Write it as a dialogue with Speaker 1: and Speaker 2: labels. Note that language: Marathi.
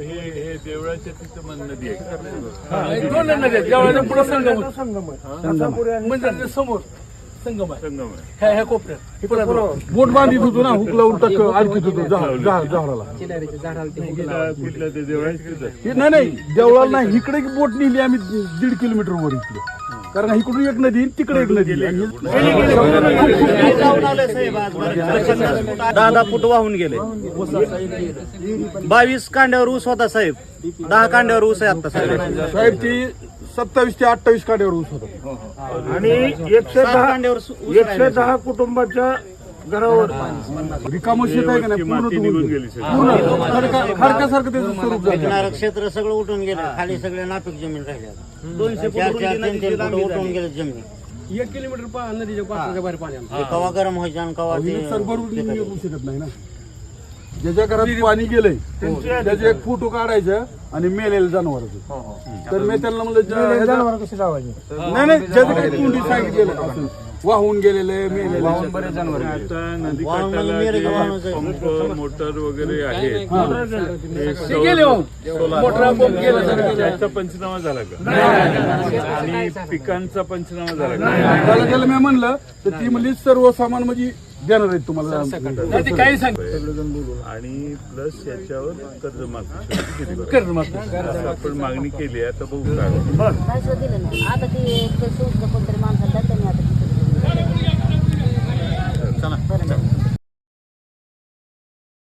Speaker 1: हे देवळाच्या तिथं नदी आहे.
Speaker 2: दोन नद्या आहेत. देवळाच्या पुढे संगम म्हणजे समोर संगम आहे.
Speaker 1: संगम आहे.
Speaker 2: ह्या कोपऱ्यात
Speaker 3: बोट बांधित होतो ना, हुक लावून टाक आणखीत होतो जहाराला.
Speaker 1: कुठल्या ते देवळाच्या तिथं
Speaker 3: नाही देवळाला नाही, इकडे बोट नेली आम्ही 1.5 किलोमीटर वर इकडे. कारण इकडून एक नदी तिकडे एक नदी.
Speaker 4: 10 फूट वाहून गेले. 22 कांड्यावर ऊस होता साहेब. 10 कांड्यावर ऊस आहे आता
Speaker 3: साहेब ती 27 ते 28 काड्यावर ऊस होता.
Speaker 5: आणि 110 कुटुंबाच्या घरावर
Speaker 3: रिकामं शेत आहे का नाही, पूर्ण
Speaker 1: माती निघून गेली सगळी.
Speaker 3: खडकासारखं त्याचं स्वरूप झालं.
Speaker 6: क्षेत्र सगळं उठून गेलं. खाली सगळे नापीक जमीन राहिल्या. 200 फूट उठून गेले जमीन.
Speaker 2: 1 किलोमीटर नदीच्या पात्राच्या बाहेर पाणी आलं.
Speaker 6: कवा गरम व्हायचं आणि कवा ते
Speaker 3: सर भरून येऊ शकत नाही ना. ज्याच्या घरात पाणी गेलंय त्याचे एक फोटो काढायचं आणि मेलेलं जनावरांचं. तर मी त्यांना म्हणलं जनावर कसे लावायचे. नाही ज्याचं काही तोंडी सांगितलेलं असं वाहून गेलेले मेलेले बरेच जनावर.
Speaker 1: आता नदी काठाला पंप मोटर वगैरे आहेत. त्याचा पंचनामा झाला का? आणि पिकांचा पंचनामा झाला का?
Speaker 3: त्याला मी म्हणलं तर ती म्हणली सर्वसामान म्हणजे देणार आहेत तुम्हाला.
Speaker 2: काही सांग
Speaker 1: आणि प्लस याच्यावर कर्जमाफी आपण मागणी केली आहे. आता बघू काय
Speaker 7: काय दिलं नाही. आता ते कोणतरी माणसाला त्यांनी आता
Speaker 6: चला.